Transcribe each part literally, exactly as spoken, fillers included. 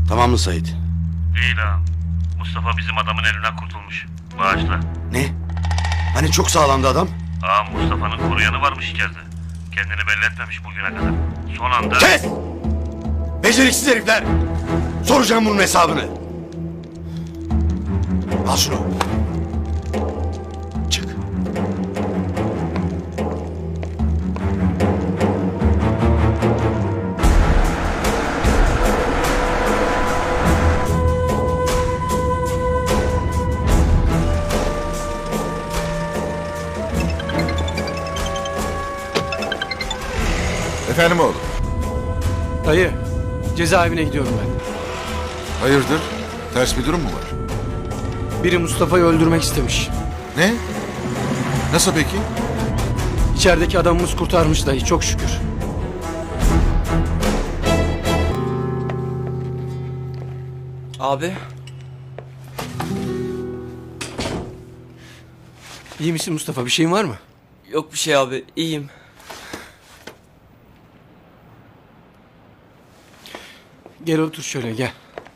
Tamam mı Sait? Değil ağam. Mustafa bizim adamın elinden kurtulmuş. Bağışla. Ne? Hani çok sağlamdı adam? Ağam Mustafa'nın koruyanı varmış içeride. Kendini belli etmemiş bugüne kadar. Son anda... Kes! Beceriksiz herifler! Soracağım bunun hesabını. Al şunu. Çık. Efendim oğlum? Dayı, cezaevine gidiyorum ben. Hayırdır? Ters bir durum mu var? Biri Mustafa'yı öldürmek istemiş. Ne? Nasıl peki? İçerideki adamımız kurtarmış dayı, çok şükür. Abi. İyi misin Mustafa, bir şeyin var mı? Yok bir şey abi. İyiyim. Gel otur şöyle, gel.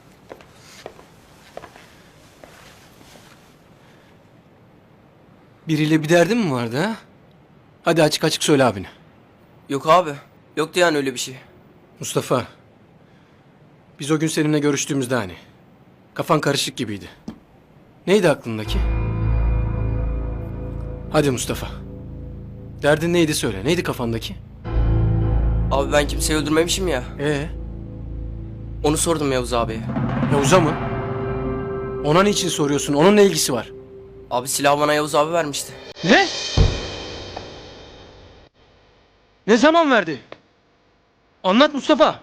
Biriyle bir derdin mi vardı ha? Hadi açık açık söyle abine. Yok abi. Yoktu yani öyle bir şey. Mustafa, biz o gün seninle görüştüğümüzde hani kafan karışık gibiydi. Neydi aklındaki? Hadi Mustafa. Derdin neydi söyle. Neydi kafandaki? Abi ben kimseyi öldürmemişim ya. Ee, Onu sordum Yavuz abiye. Yavuz'a mı? Ona niçin soruyorsun? Onun ne ilgisi var? Abi silahı bana Yavuz abi vermişti. Ne? Ne zaman verdi? Anlat Mustafa.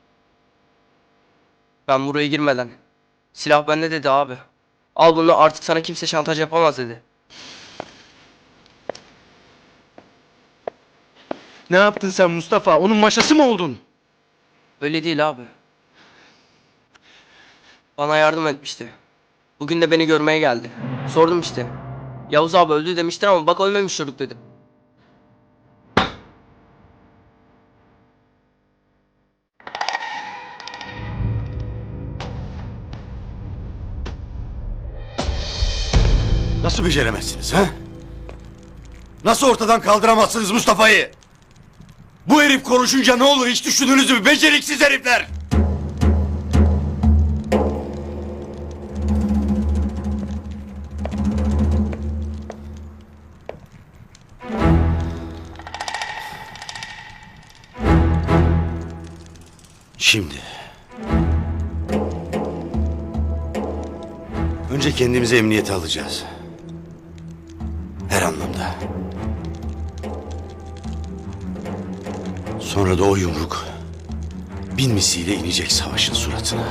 Ben buraya girmeden. Silah bende dedi abi. Al bunu, artık sana kimse şantaj yapamaz dedi. Ne yaptın sen Mustafa? Onun maşası mı oldun? Öyle değil abi. Bana yardım etmişti. Bugün de beni görmeye geldi. Sordum işte. Yavuz abi öldü demiştin ama bak ölmemiş çocuk dedi. Nasıl beceremezsiniz ha? Nasıl ortadan kaldıramazsınız Mustafa'yı? Bu herif konuşunca ne olur hiç düşündünüz mü? Beceriksiz herifler! Şimdi... Önce kendimizi emniyete alacağız. Her anlamda. Sonra da o yumruk bin misliyle inecek savaşın suratına.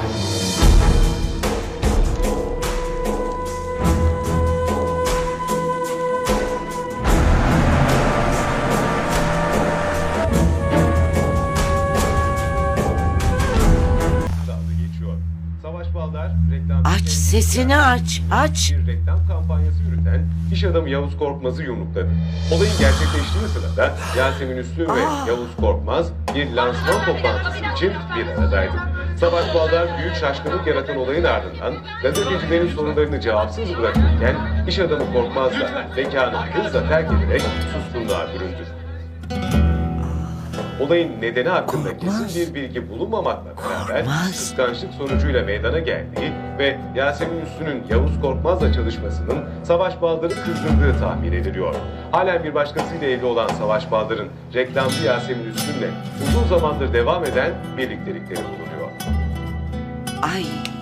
Geçiyor. Savaş Baldar reklam Aç sesini aç, aç. bir reklam kampanyası yürüten iş adamı Yavuz Korkmaz'ı yumrukladı. Olayın gerçekleştiği sırada Yasemin Üslü ve Yavuz Korkmaz bir lansman toplantısı için bir aradaydı. Savaş Baldar büyük şaşkınlık yaratan olayın ardından gazetecilerin sorularını cevapsız bırakırken iş adamı Korkmaz'la mekanı hızla terk ederek suskunluğa büründü. Olayın nedeni hakkında Korkmaz. kesin bir bilgi bulunmamakla beraber Korkmaz. kıskançlık sonucuyla meydana geldiği ve Yasemin Üssü'nün Yavuz Korkmaz'la çalışmasının Savaş Baldır'ı kızdırdığı tahmin ediliyor. Halen bir başkasıyla evli olan Savaş Baldır'ın reklamcı Yasemin Üssü'yle uzun zamandır devam eden birliktelikleri bulunuyor. Ay